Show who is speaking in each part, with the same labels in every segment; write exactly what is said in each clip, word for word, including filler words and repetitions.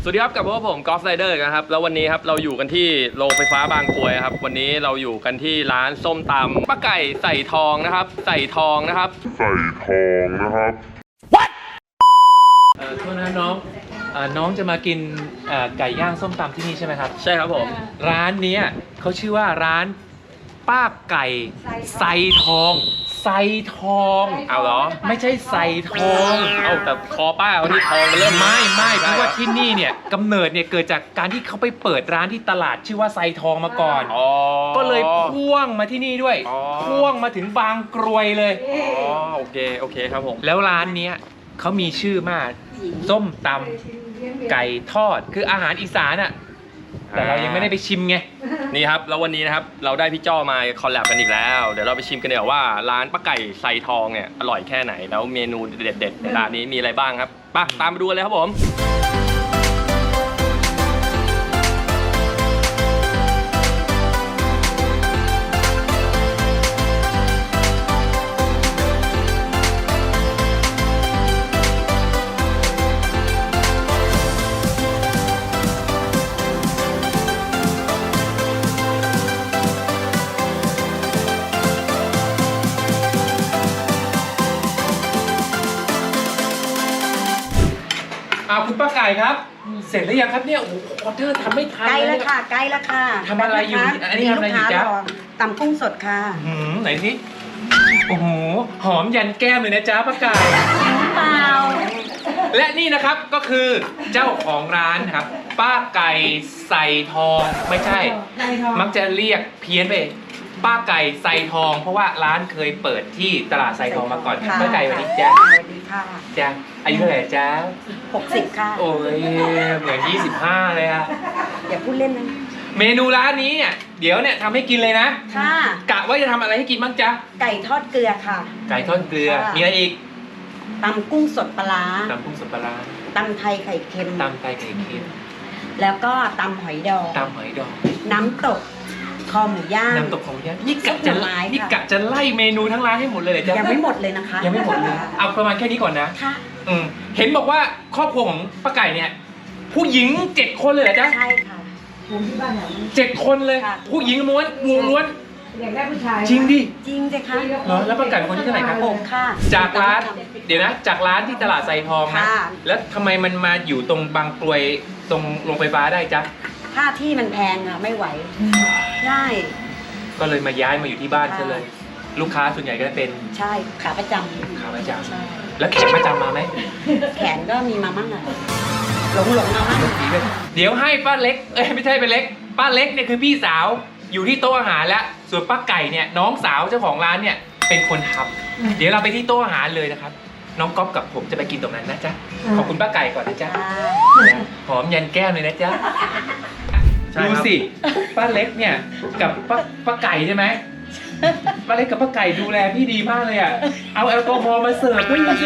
Speaker 1: สวัสดีครับกับพวกผมกอล์ฟไรเดอร์นะครับแล้ววันนี้ครับเราอยู่กันที่โรงไฟฟ้าบางกรวยครับวันนี้เราอยู่กันที่ร้านส้มตำป้าไก่ใส่ทองนะครับใส่ทองนะครับ
Speaker 2: ใส่ทองนะครับ
Speaker 3: What เอ่อโทษนะน้องเอ่อน้องจะมากินเอ่อไก่ย่างส้มตำที่นี่ใช่ไหมครับ
Speaker 1: ใช่ครับผม
Speaker 3: ร้านเนี้ยเขาชื่อว่าร้านป้าไก่ใส่ทองใส่ทอง
Speaker 1: เอาเหรอ
Speaker 3: ไม่ใช่ใส่ทอง
Speaker 1: เอาแต่คอป้าเขาที่ทองมันเริ่ม
Speaker 3: ไม่ไม่เพราะว่าที่นี่เนี่ยกำเนิดเนี่ยเกิดจากการที่เขาไปเปิดร้านที่ตลาดชื่อว่าใส่ทองมาก่อนก็เลยพ่วงมาที่นี่ด้วยพ่วงมาถึงบางกรวยเลย
Speaker 1: อ๋อโอเคโอเคครับผม
Speaker 3: แล้วร้านเนี้ยเขามีชื่อมากส้มตำไก่ทอดคืออาหารอีสานอะแต่เรายังไม่ได้ไปชิมไง
Speaker 1: นี่ครับแล้ววันนี้นะครับเราได้พี่จ้อมาคอลแลบกันอีกแล้วเดี๋ยวเราไปชิมกันเดี๋ยวว่าร้านป้าไก่ใส่ทองเนี่ยอร่อยแค่ไหนแล้วเมนูเด็ดๆในร้านนี้มีอะไรบ้างครับไปตามไปดูกันเลยครับผม
Speaker 3: เอาคุณป้าไก่ครับเสร็จแล้วยังครับเนี่ยโอ้โหออเดอร์ทำไม่ทัน
Speaker 4: ใกล้แล้วค่ะใกล้แล้วค่ะ
Speaker 3: ทำอะไรอยู่อันนี้ทำอะไรอยู่จ๊ะ
Speaker 4: ตำกุ้งสดค่ะ
Speaker 3: หืมไหนสิโอ้โหหอมยันแก้มเลยนะจ๊ะป้าไก่
Speaker 4: เปล่า
Speaker 3: และนี่นะครับก็คือเจ้าของร้านครับป้าไก่ใส่ทองไม่ใช่มักจะเรียกเพี้ยนไปป้าไก่ใส่ทองเพราะว่าร้านเคยเปิดที่ตลาดใส่ทองมาก่อนป้าไก่วันนี้จ้าจ้าอายุเท่าไหร่จ้า
Speaker 4: หกสิบค่ะ
Speaker 3: โอ้ยเหมือนยี่สิบห้าเลยอะ
Speaker 4: อย่าพูดเล่นนะ
Speaker 3: เมนูร้านนี้เนี่ยเดี๋ยวเนี่ยทำให้กินเลยนะ
Speaker 4: ค่ะ
Speaker 3: กะว่าจะทำอะไรให้กินบ้างจ๊ะ
Speaker 4: ไก่ทอดเกลือค่ะ
Speaker 3: ไก่ทอดเกลือมีอะไรอีก
Speaker 4: ตำกุ้งสดปลา
Speaker 3: ตำกุ้งสดปลา
Speaker 4: ตำไทยไข่เค็ม
Speaker 3: ตำไทยไข่เค็ม
Speaker 4: แล้วก็ตำหอยดอง
Speaker 3: ตำหอยดอง
Speaker 4: น้ำตกคอหมูย่าง
Speaker 3: น้ำตกคอหมูย่างนี่กะจะนี่กะจะไล่เมนูทั้งร้านให้หมดเลยเหรอจ๊ะ
Speaker 4: ยังไม่หมดเลยนะคะ
Speaker 3: ยังไม่หมดเลยเอาประมาณแค่นี้ก่อนนะ
Speaker 4: ค่ะ
Speaker 3: อืมเห็นบอกว่าครอบครัวของป้าไก่เนี่ยผู้หญิงเจ็ดคนเลยเหรอจ๊ะ
Speaker 4: ใช่ค่ะ
Speaker 3: เจ็ดคนเลยผู้หญิงม้วนงูล้วน
Speaker 4: อยากได้ผู้ชาย
Speaker 3: จริงดิ
Speaker 4: จริงสิคะ
Speaker 3: เหรอแล้วป้าไก่คนที่เท่าไหร่ครับ
Speaker 4: ผมค่ะ
Speaker 3: จากร้านเดี๋ยวนะจากร้านที่ตลาดไซทองนะแล้วทำไมมันมาอยู่ตรงบางกรวยตรงโรงไฟฟ้าได้จ๊ะ
Speaker 4: ค่าที่มันแพงอะไม่ไหวใช่
Speaker 3: ก็เลยมาย้ายมาอยู่ที่บ้านซะเลยลูกค้าส่วนใหญ่ก็เป็น
Speaker 4: ใช่ขาประจำ
Speaker 3: ขาประจำใช่แล้วแขกประจำมาไหม
Speaker 4: แขนก็มีมามั่งอะหลงหลงมามั่ง
Speaker 3: เดี๋ยวให้ป้าเล็กเอ้ยไม่ใช่เป็นเล็กป้าเล็กเนี่ยคือพี่สาวอยู่ที่โต๊ะอาหารแล้วส่วนป้าไก่เนี่ยน้องสาวเจ้าของร้านเนี่ยเป็นคนทำเดี๋ยวเราไปที่โต๊ะอาหารเลยนะครับน้องก๊อฟกับผมจะไปกินตรงนั้นนะจ๊ะขอบคุณป้าไก่ก่อนนะจ๊ะหอมยันแก้มเลยนะจ๊ะดูสิป้าเล็กเนี่ยกับป้าป้าไก่ใช่ไหมป้าเล็กกับป้าไก่ดูแลพี่ดีมากเลยอ่ะเอาแอลกอฮอล์มาเสิร์ฟด้วยสิ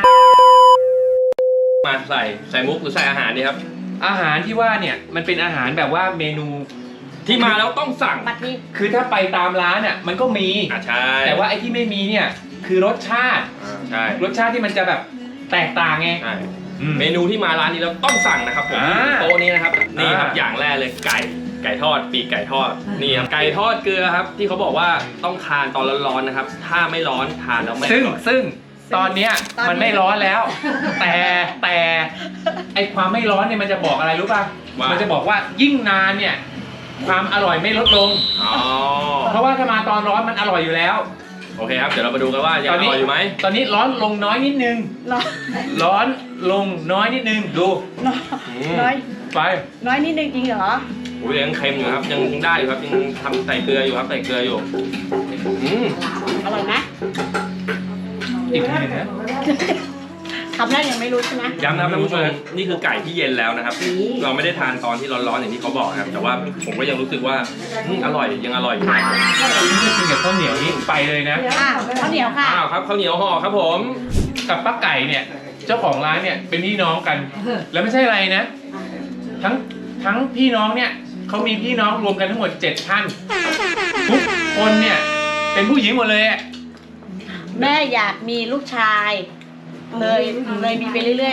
Speaker 1: มาใส่ใส่มุกหรือใส่อาหารดีครับ
Speaker 3: อาหารที่ว่าเนี่ยมันเป็นอาหารแบบว่าเมนู
Speaker 1: ที่มาแล้วต้องสั่ง
Speaker 3: คือถ้าไปตามร้านอ่ะมันก็มี
Speaker 1: อ่ะใช่
Speaker 3: แต่ว่าไอ้ที่ไม่มีเนี่ยคือรสชาติ
Speaker 1: ใช่
Speaker 3: รสชาติที่มันจะแบบแตกต่างไง
Speaker 1: ใช่เมนูที่มาร้านนี้แล้วต้องสั่งนะครับผมโต๊ะนี้นะครับนี่ครับอย่างแรกเลยไก่ไก่ทอดปีกไก่ทอดนี่ครับไก่ทอดเกลือครับที่เขาบอกว่าต้องทานตอนร้อนๆนะครับถ้าไม่ร้อนทานแล้วไม่
Speaker 3: ซึ่งซึ่งตอนเนี้ยมันไม่ร้อนแล้วแต่แต่ไอความไม่ร้อนเนี่ยมันจะบอกอะไรรู้ป่ะมันจะบอกว่ายิ่งนานเนี่ยความอร่อยไม่ลดลงเพราะว่าถ้ามาตอนร้อนมันอร่อยอยู่แล้ว
Speaker 1: โอเคครับเดี๋ยวเรามาดูกันว่ายังอร่อยอยู่ไหม
Speaker 3: ตอนนี้ร้อนลงน้อยนิดนึงร้อนลงน้อยนิดนึงดู
Speaker 4: น้อย
Speaker 3: ไป
Speaker 4: น้อยนิดนึงจริงเหรอ
Speaker 1: โอ้ยยังเค็มอยู่ครับยังได้อยู่ครับยังทำใส่เกลืออยู่ครับใส่เกลืออยู่
Speaker 4: อืมอร่อยไหม
Speaker 3: อีกทีนึงนะ
Speaker 4: ทำได้ยังไม่รู้ใช่ไหม
Speaker 1: ย้ำนะท่านผู้ชมนี่คือไก่ที่เย็นแล้วนะครับเราไม่ได้ทานตอนที่ร้อนๆอย่างที่เขาบอกครับแต่ว่าผมก็ยังรู้สึกว่าอร่อยยังอร่อยอยู่
Speaker 3: กินกับข้าวเหนียวนี่ไปเลยนะ
Speaker 4: ข้าวเหนียวค่ะ
Speaker 1: อ้าวครับข้าวเหนียวห่อครับผม
Speaker 3: กับป้าไก่เนี่ยเจ้าของร้านเนี่ยเป็นพี่น้องกันแล้วไม่ใช่อะไรนะทั้งทั้งพี่น้องเนี่ยเขามีพี่น้องรวมกันทั้งหมดเจ็ดท่านทุกคนเนี่ยเป็นผู้หญิงหมดเลย
Speaker 4: แม่อยากมีลูกชายเลยเลยมีไปเรื่อยๆ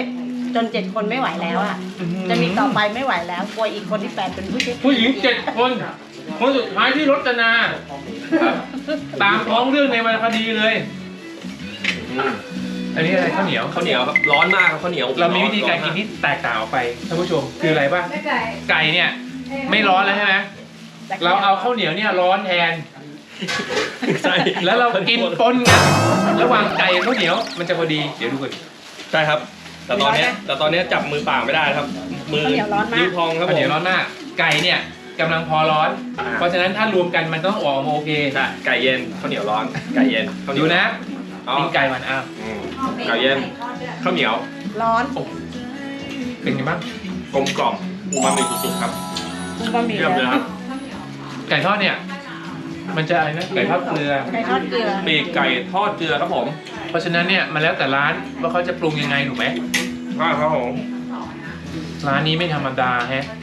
Speaker 4: จนเจ็ดคนไม่ไหวแล้วอ่ะ จะมีต่อไปไม่ไหวแล้วกลัวอีกคนที่แปดเป็นผู้ชาย
Speaker 3: ผู้หญิงเจ็ดคน คนสุดท้ายที่รจนา
Speaker 1: ครับ
Speaker 3: ตามท้องเรื่องในวรรณคดีเลย
Speaker 1: อืม
Speaker 3: อันนี้อะไรข้าวเหนียว
Speaker 1: ข้าวเหนียวครับร้อนมากครับข้าวเหนียว
Speaker 3: เรามีวิธีการกินที่แตกต่างออกไปท่านผู้ชมคืออะไรป่ะไก่เนี่ยไม่ร้อนแล้วใช่ไหมเราเอาข้าวเหนียวเนี่ยร้อนแทน
Speaker 1: ใช่
Speaker 3: แล้วเรากินปนกันระหว่างไก่กับข้าวเหนียวมันจะพอดีเดี๋ยวดูกัน
Speaker 1: ใช่ครับ แต่ตอนเนี้ยแต่ตอนเนี้ยจับมือเปล่าไม่ได้ครับ มือนิ้วพองครับ
Speaker 3: ข้าว
Speaker 1: ผ
Speaker 3: เหนียว
Speaker 1: ม
Speaker 3: ร้อนมากไก่เนี่ยกำลังพอร้อน
Speaker 1: อ่า
Speaker 3: เพราะฉะนั้นถ้ารวมกันมันต้องออกมาโอเค
Speaker 1: ใช่ไก่เย็นข้าวเหนียวร้อนไก่เย็นข้าวเหนี
Speaker 3: ดู
Speaker 1: ยว
Speaker 3: นะ
Speaker 1: อ๋อ
Speaker 3: กินไก่มันอ้าว
Speaker 1: อืมไก่เย็นข้าวเหนียว
Speaker 4: ร้อน
Speaker 3: เป็นไงบ้าง
Speaker 1: กลมกล่อมอูมามิสุดๆครับ
Speaker 4: คุณบะหมี่
Speaker 1: เยี่ยมเลยครับ
Speaker 3: ไก่ทอดเนี่ยมันจะอะไรนะไก่ทอดเกลือ
Speaker 4: ไก่ทอดเกลือ
Speaker 1: ปีกไก่ทอดเกลือครับผม
Speaker 3: เพราะฉะนั้นเนี่ยมันแล้วแต่ร้านว่าเขาจะปรุงยังไงถูกไหม
Speaker 1: ใช่ครับผม
Speaker 3: ร้านนี้ไม่ธรรมดาแฮะ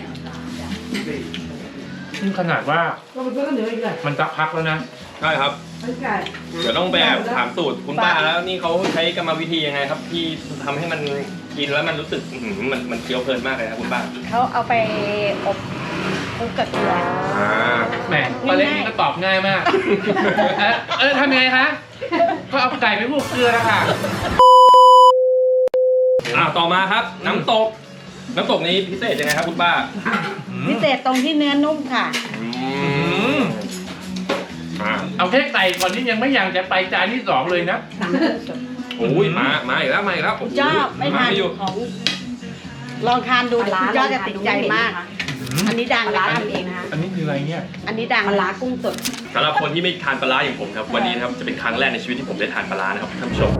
Speaker 3: นี่ขนาดว่ามันจะพักแล้วนะ
Speaker 1: ใช่ครับ เดี๋ยวต้องไปแอบถามสูตรคุณป้าแล้วนี่เขาใช้กรรมวิธียังไงครับ ที่ทำให้มันกินแล้วมันรู้สึกอื้อหือมันมันเคี้ยวเพลินมากเลยครับคุณป้า
Speaker 4: เขาเอาไปอบคลุกกับเกลือ
Speaker 1: อ่า
Speaker 3: แหมปลาเล็กนี่ก็ตอบง่ายมาก เออเออทำยังไงคะ ก็เอาไก่ไปพวกเกลือแล้วค่ะ
Speaker 1: อ่าต่อมาครับ น้ำตก น้ำตกนี้พิเศษยังไงครับคุณป้า
Speaker 4: พิเศษตรงที่เนื้อนุ่มค่ะ
Speaker 1: อืมอ่า
Speaker 3: เอาแค่ไก่ก่อนที่ยังไม่อยากจะไปจานที่สองเลยนะ
Speaker 1: โอ้ยมามาอีกแล้วมาอีกแล้วโโห
Speaker 4: ชอบไม่ทาน
Speaker 1: อยู่
Speaker 4: ของ ลองทานดูเดี๋ยวคุณยอดจะติดใจมาก อันนี้ดังร้านทำเองนะคะ
Speaker 3: อันนี้คืออะไรเนี่ย
Speaker 4: อันนี้ดังปลากุ้งสด
Speaker 1: สำหรับคนที่ไม่ทานปลาร้าอย่างผมครับ วันนี้นะครับจะเป็นครั้งแรกในชีวิตที่ผมได้ทานปลาร้านะครับท่านผู้ชม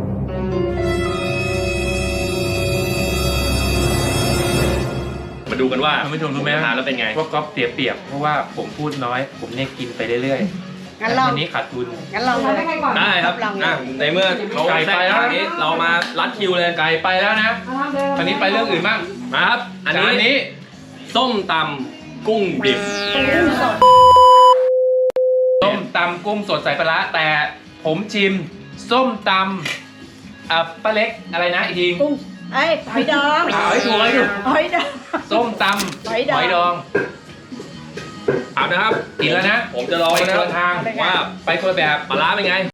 Speaker 1: มาดูกันว่า
Speaker 3: ท่านผู้ชมรู้ไหม
Speaker 1: ทานแล้วเป็นไง
Speaker 3: ว่าก๊อฟเสียเปรียบเพราะว่าผมพูดน้อย ผมเนี่ยกินไปเรื่อยๆ
Speaker 4: งั้นลอง
Speaker 3: อันนี้ขาดทุน
Speaker 4: งั้นลองเลย
Speaker 1: ได้ครับ
Speaker 4: ลองเลย
Speaker 1: อ่ะในเมื่อเขา
Speaker 3: ไก่
Speaker 1: แทร
Speaker 3: ไป
Speaker 1: ก
Speaker 3: แล้ว
Speaker 1: ทางนี้เรามารัดคิวเลย
Speaker 3: ไก่ไปแล้วนะอันนี้ไปเรื่องอื่นบ้าง
Speaker 1: มาครับ อัน
Speaker 3: จาน
Speaker 1: นี้
Speaker 3: นี้
Speaker 1: ส้มตำกุ้งดิบ
Speaker 4: กุ้งสด
Speaker 3: ส้มตำกุ้งสดใส่ปลาร้าแต่ผมชิมส้มตำอ่ะป้าเล็กอะไรนะอีกที
Speaker 4: กุ้งเอ้ยหอยดอง
Speaker 3: อ่ะเอาให้ถูกให้ถูก
Speaker 4: หอยดอง
Speaker 3: ส้มตำ
Speaker 4: หอยดอง
Speaker 3: ดอง
Speaker 1: เอานะครับ
Speaker 3: กินแล้วนะ
Speaker 1: ผมจะลอง
Speaker 3: ไป
Speaker 1: นะ
Speaker 3: ค
Speaker 1: คน รับ
Speaker 3: ละทาง
Speaker 1: ว่า
Speaker 3: ไปคนละแบบ
Speaker 1: ปลาร้าเป็นไง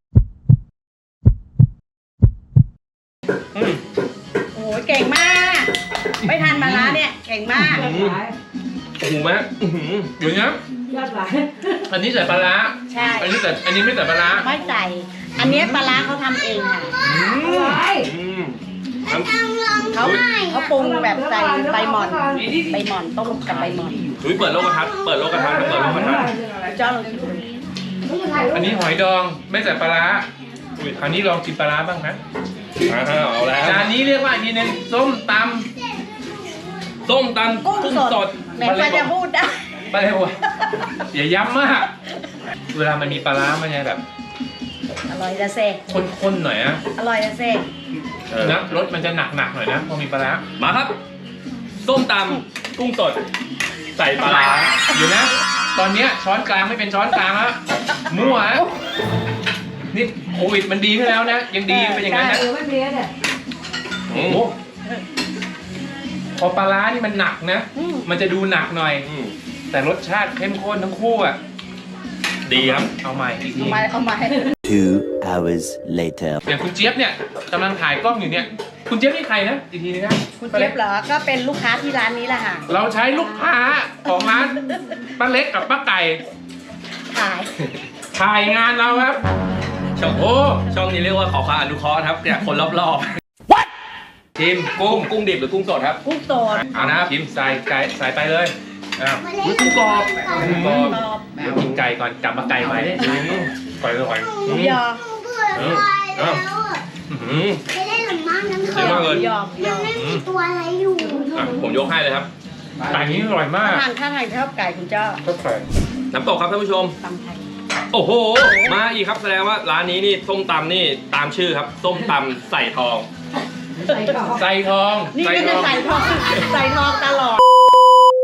Speaker 3: อืม
Speaker 4: โอ้ยเก่งมาก ไม่ทานมาล้าเนี่ย เก่งมาก
Speaker 1: อืมโอ้โหแม่อื้อหือ
Speaker 3: เดี๋ยวนะอันนี้ใส่ปลาร้า
Speaker 4: ใช่
Speaker 3: อันนี้ใส่อันนี้ไม่ใส่ปลาร้า
Speaker 4: ไม่ใส่ อันเนี้ยปลาร้าเขาทำเองค่ะ
Speaker 3: อืม
Speaker 1: อืมน้ำ
Speaker 4: เขาเขาปรุงแบบใส่ใบหม่อน ใบหม่อนต้มกับใบหม่อน
Speaker 1: อุ้ยเปิดโลกทัศน์เปิดโลกทัศน์ครับเปิดโลกทัศน์
Speaker 4: เจ้าลองชิมดู
Speaker 3: อันนี้หอยดองไม่ใส่ปลาร้า
Speaker 1: อุ้ย
Speaker 3: คราวนี้ลองกินปลาร้าบ้างนะ
Speaker 1: อ่าเอาแล้ว
Speaker 3: จานนี้เรียกว่าอีกทีหนึงส้มต
Speaker 1: ส้มตำ
Speaker 4: กุ้ง
Speaker 1: กุ้ง
Speaker 4: ส
Speaker 1: ส
Speaker 4: ด
Speaker 1: ด
Speaker 4: แม้ว่าจะพูดได้
Speaker 3: ำปลาเร็วอะอย่าย้ำมาก เวลามันมีปลาร้ามันจะแบบ
Speaker 4: อร่อยจะเซ
Speaker 3: ข้นๆหน่อยนะ
Speaker 4: อร่อยจะเซ
Speaker 1: เออ
Speaker 3: นะรสมันจะหนักๆหน่อยนะพอมีปลาร้า
Speaker 1: มาครับ ส้มตำกุ้งสด ใส่ปลาร้า
Speaker 3: เดี๋ยวนะ ตอนเนี้ยช้อนกลางไม่เป็นช้อนกลางแล้วมั่วฮะนี่โควิดมันดีขึ้นแล้วนะ ยังดีเป็นอย่างนั้นนะ
Speaker 1: อื
Speaker 3: โอ้
Speaker 1: ม
Speaker 3: โหพอปลาร้านี่มันหนักนะ
Speaker 4: อืม
Speaker 3: มันจะดูหนักหน่อย
Speaker 1: อืม
Speaker 3: แต่รสชาติเข้มข้นทั้งคู่อ่ะ
Speaker 1: ดีครับ
Speaker 3: เอาใหม่อีกที
Speaker 4: เอามาเอามาให้
Speaker 5: Two hours later.
Speaker 3: อย่างคุณเจี๊ยบเนี่ยกำลังถ่ายกล้องอยู่เนี่ย คุณเจี๊ยบนี่ใครนะอีกทีนึงนะ
Speaker 4: คุณเจี๊ยบเหรอ ก็เป็นลูกค้าที่ร้านนี้แหละค่ะ
Speaker 3: เราใช้ลูกค้าของร้านป้าเล็กกับป้าไก่
Speaker 4: ขาย
Speaker 3: ถ่ายงานเราครับ
Speaker 1: ช่อง
Speaker 3: โอ้
Speaker 1: ช่องนี้เรียกว่าขอความอนุเคราะห์นะครับเนี่ยคนรอบ
Speaker 3: ชิม
Speaker 1: ๆ
Speaker 3: กุ้
Speaker 1: กุ้
Speaker 3: ง
Speaker 1: งกุ้งดิบหรือกุ้งสดครับ
Speaker 4: กุ้งสด
Speaker 1: เอานะครับ
Speaker 3: ชิมใส่ไก่ใส่ไปเลยอ้าว
Speaker 1: อุ้ยกุ้งกรอบ
Speaker 3: กุ้งกรอบ
Speaker 4: กรอบ
Speaker 3: เดี๋ยวกินไก่ก่อนกลับมาไก่ใหม่
Speaker 1: อืม
Speaker 3: ปล่อยเลยปล่อย
Speaker 4: หมูยอ
Speaker 1: อืมอ้าวอืม
Speaker 6: ไม่ได้หรือมั้งน้ำ
Speaker 1: เย
Speaker 6: เค็
Speaker 1: อะ
Speaker 6: ม
Speaker 1: มาก
Speaker 4: ห
Speaker 1: เล
Speaker 4: มู
Speaker 1: ย
Speaker 4: ยอหมูยอ
Speaker 6: ไม่มีตัวอะไรอยู่
Speaker 1: อ่ะผมยกให้เลยครับ
Speaker 3: ไก่นี้อร่อยมา
Speaker 4: ถ้าก ทานถ้าทานชอบไก่คุณเจ้า
Speaker 3: ก็ไก่
Speaker 1: น้ำตกครับท่านผู้ชม
Speaker 4: ตำไทย
Speaker 1: โอ้โห มาอีกครับแสดงว่าร้านนี้นี่ส้มตำนี่ตามชื่อครับ ส้มตำใส่ทอง
Speaker 3: ใส่ทอง
Speaker 4: นี่ก็จะใส่ทองใส่ทองตลอด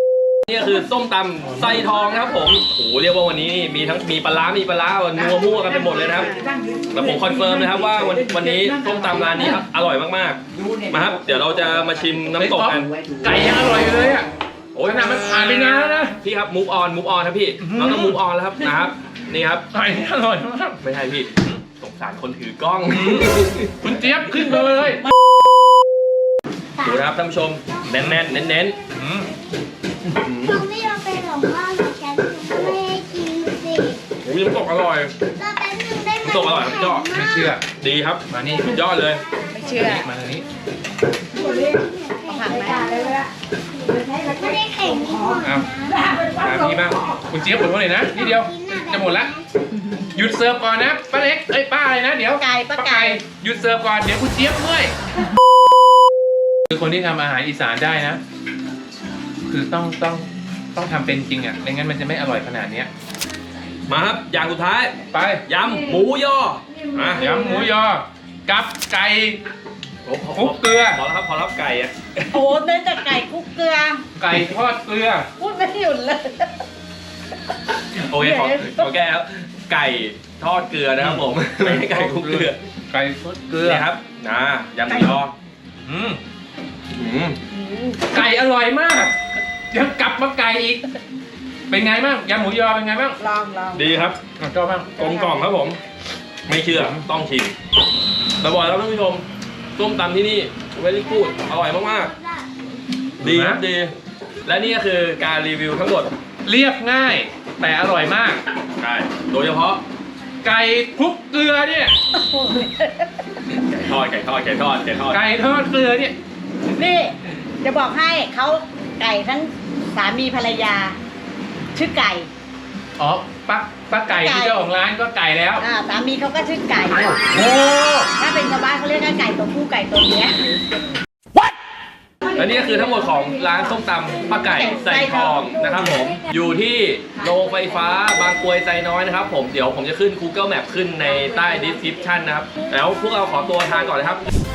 Speaker 1: นี่คือส้มตำไส้ทองนะครับผมโอ้โหเรียกว่าวันนี้มีทั้งมีปลาร้ามีปลาร้านัวมั่วกันไปหมดเลยนะครับแต่ผมคอนเฟิร์มนะครับว่าวันวันนี้ส้มตำร้านนี้ครับอร่อยมากๆมาครับเดี๋ยวเราจะมาชิมน้ำตกกัน
Speaker 3: ไก่ยังอร่อยอยู่เลยอ่ะโอ้ยขนาดมันผ่านไปนานแล้วนะ
Speaker 1: พี่ครับมูฟออนมูฟออนครับพี่เราต้องมูฟออนแล้วครับนะครับนี่ครับ
Speaker 3: ไก่นี่อร่อยมาก
Speaker 1: ไม่ใช่พี่สงสารคนถือกล้อง
Speaker 3: คุณเจี๊ยบขึ้นมาเลย
Speaker 1: ดูนะครับท่านผู้ชมแน่นๆเน้น
Speaker 3: อืม
Speaker 6: หนูไม่ยอมไปหลงบ้านกับฉันหนูไม่ให้กินสิ
Speaker 1: ๆโอ้ยน้ำตกอร่อย
Speaker 6: รอแป๊บนึงได้ไหม
Speaker 1: น้ำตกอร่อยครับพี่จ้อ
Speaker 3: ไม่เชื่อ
Speaker 1: ดีครับ
Speaker 3: มานี่
Speaker 1: สุดยอดเลย
Speaker 4: ไม่เชื่อ
Speaker 3: มาทางนี้
Speaker 4: ผักไหม
Speaker 6: ไม่ได้แข่งที่ก่อน
Speaker 3: เอามาพี่บ้างคุณเจี๊ยบขอโทษหน่อยนะนี่เดียวจะหมดละหยุดเสิร์ฟก่อนนะป้าเล็กเอ้ยป้าอะไรนะเดี๋ยว
Speaker 4: ไก่ปลาไก่
Speaker 3: หยุดเสิร์ฟก่อนเดี๋ยวคุณเจี๊ยบเมื่อยคือคนที่ทำอาหารอีสานได้นะ คือต้องต้องต้องทำเป็นจริงอ่ะไม่งั้นมันจะไม่อร่อยขนาดเนี้ย
Speaker 1: มาครับอย่างสุดท้าย
Speaker 3: ไป
Speaker 1: ยำหมูยออ่ะ
Speaker 3: ยำหมูยอกับไก่
Speaker 1: โอ้พอ
Speaker 3: คลุกเกลือ
Speaker 1: พอแล้วครับพอแล้วไก่อะ
Speaker 4: โอ้เนื้อจากไก่คลุกเกลือ
Speaker 3: ไก่ทอดเกลือ
Speaker 4: พูดไม่หยุดเลย
Speaker 1: โอเคขอขอแก้ครับไก่ทอดเกลือนะครับผมไม่ใช่ไก่คลุกเกลือ
Speaker 3: ไก่ทอดเกลือ
Speaker 1: นี่ครับนะยำหมูยอ
Speaker 3: อืม
Speaker 1: อืม
Speaker 3: ไก่อร่อยมากยังกลับมาไก่อีก เป็นไงบ้างยำหมูยอเป็นไงบ้าง
Speaker 4: ลองลอง
Speaker 1: ดีครับ
Speaker 3: อ่ะชอบบ้าง
Speaker 1: กลมกล่อมครับผม ไม่เชื่อต้องชิมแต่บอกแล้วท่านผู้ชมส้มตำที่นี่เวลี่กูดอร่อยมากๆดีครับดี และนี่ก็คือการรีวิวทั้งหมด
Speaker 3: เรียบง่าย แต่อร่อยมาก
Speaker 1: ใช่โดยเฉพาะ
Speaker 3: ไก่คลุกเกลือเนี่ย
Speaker 1: ไก่ทอดไก่ทอดไก่ทอดไก่ทอด
Speaker 3: ไก่ทอดเกลือเนี่ย
Speaker 4: นี่จะบอกให้เขาไก่ทั้งสามีภรรยา ชื่อไก่
Speaker 3: อ๋อป้าป้าไก่ที่เจ้าของร้านก็ไก่แล้ว
Speaker 4: อ่าสามีเขาก็ชื่อไก่
Speaker 3: โอ้
Speaker 4: ถ้าเป็นชาวบ้านเขาเรียกว่าไก่ตัวผู้ไก่ตัวเมีย
Speaker 1: และนี่ก็คือทั้งหมดของร้านส้มตำป้าไก่ใส่ทองนะครับผมอยู่ที่โรงไฟฟ้าบางกรวยไซน้อยนะครับผมเดี๋ยวผมจะขึ้น Google Map ขึ้นในใต้ description นะครับแล้วพวกเราขอตัวทานก่อนนะครับ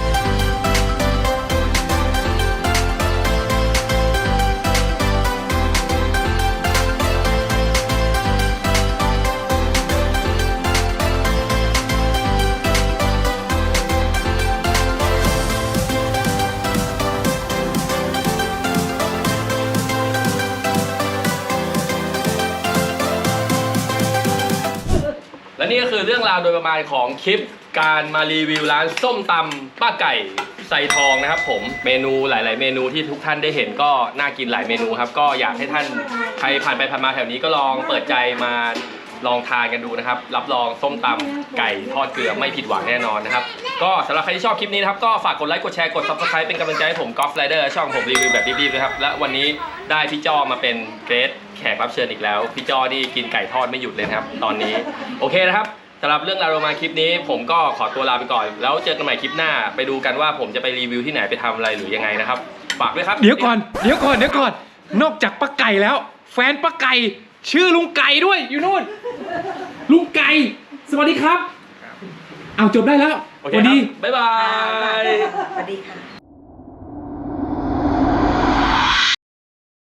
Speaker 1: และนี่ก็คือเรื่องราวโดยประมาณของคลิปการมารีวิวร้านส้มตำป้าไก่ใส่ทองนะครับผมเมนูหลาย ๆ เมนูที่ทุกท่านได้เห็นก็น่ากินหลายเมนูครับก็อยากให้ท่านใครผ่านไปผ่านมาแถวนี้ก็ลองเปิดใจมาลองทานกันดูนะครับรับรองส้มตำไก่ทอดเกลือไม่ผิดหวังแน่นอนนะครับก็สำหรับใครที่ชอบคลิปนี้นะครับก็ฝากกดไลค์กดแชร์กด ซับสไครบ์ เป็นกำลังใจให้ผมกอล์ฟไรเดอร์ช่องผมรีวิวแบบรีบๆนะครับและวันนี้ได้พี่จ้อมาเป็นเกรดแขกรับเชิญอีกแล้วพี่จ้อนี่กินไก่ทอดไม่หยุดเลยนะครับตอนนี้โอเคนะครับสำหรับเรื่องราวโรมาคลิปนี้ผมก็ขอตัวลาไปก่อนแล้วเจอกันใหม่คลิปหน้าไปดูกันว่าผมจะไปรีวิวที่ไหนไปทำอะไรหรือยังไงนะครับฝากด้วยครับ
Speaker 3: เดี๋ยวก่อนเดี๋ยวก่อนเดี๋ยวก่อนนอกจากป้าไก่แล้ว แฟนป้าไก่ชื่อลุงไก่ด้วยอยู่นู่นลุงไก่สวัสดีครับเอาจบได้แล้ว
Speaker 1: โอเค
Speaker 3: สวัส
Speaker 1: ครั
Speaker 3: ดี
Speaker 1: บบ๊ายบาย
Speaker 4: สวัสดีค่ะ